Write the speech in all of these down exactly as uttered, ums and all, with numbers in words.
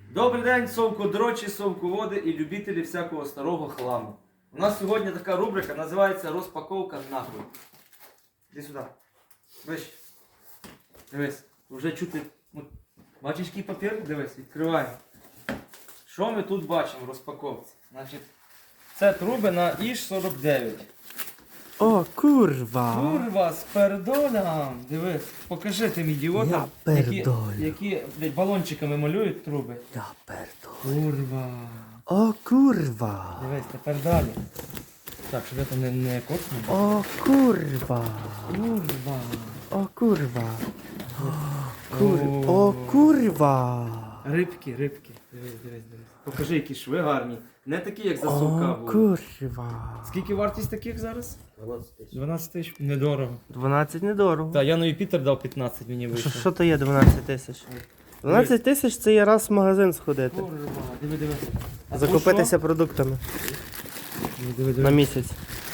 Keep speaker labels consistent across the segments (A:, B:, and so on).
A: Добрий день, совкодрочі, совководи і любителі всякого старого хламу. У нас сьогодні така рубрика, називається розпаковка нахуй. Іди сюди. Вище. Дивись, вже чути. Ну, бачиш, який папір? Дивись, відкриваємо. Що ми тут бачимо в розпаковці? Значить, це труби на Іж сорок дев'ять.
B: О, курва!
A: Курва, з пердолям. Дивись, покажи тим ідіотам,
B: Я
A: які,
B: пердолю.
A: які блядь, балончиками малюють труби.
B: Я пердолю.
A: Курва.
B: О, курва!
A: Дивись, тепер далі. Так, щоб я там не, не косну.
B: О, курва!
A: Курва.
B: О, курва! Кур...
A: О.
B: О, курва!
A: Рибки, рибки. Дивись, дивись, дивись. Покажи, які шви гарні. Не такі, як за
B: О,
A: совка були.
B: курва!
A: Скільки вартість таких зараз? дванадцять тисяч. Недорого.
B: дванадцять недорого.
A: Так, я на Юпітер дав п'ятнадцять, мені
B: Що,
A: вийшло.
B: що то є дванадцять тисяч? дванадцять тисяч це є раз в магазин сходити.
A: Курва, диви, диви. А то
B: Закупитися продуктами
A: що? Диви, диви, диви.
B: на місяць.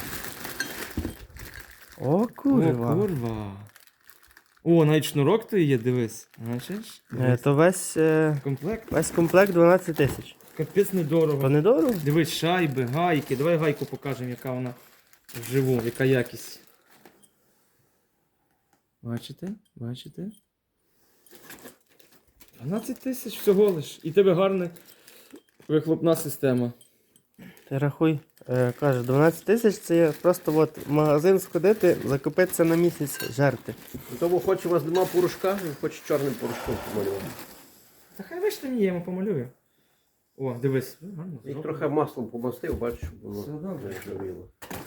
B: О,
A: О,
B: курва!
A: курва. О, навіть шнурок то є, дивись. Бачиш?
B: Е, То весь, е,
A: Комплект.
B: весь комплект дванадцять тисяч.
A: Капець недорого.
B: То недорого?
A: Дивись, шайби, гайки. Давай гайку покажемо, яка вона вживу, яка якість. Бачите? Бачите? дванадцять тисяч всього лиш. І тебе гарна вихлопна система.
B: Ти рахуй, е, каже, дванадцять тисяч це є просто от в магазин сходити, закупитися на місяць, жерти.
C: Тому хоч у вас нема порошка, він хоче чорним порошком помалювати.
A: Та хай вийшли мені, я йому помалюю. О, дивись. Гарно
C: І
A: зроблено.
C: трохи маслом помастив, бачиш, щоб воно
A: Все добре.
C: не жавіло.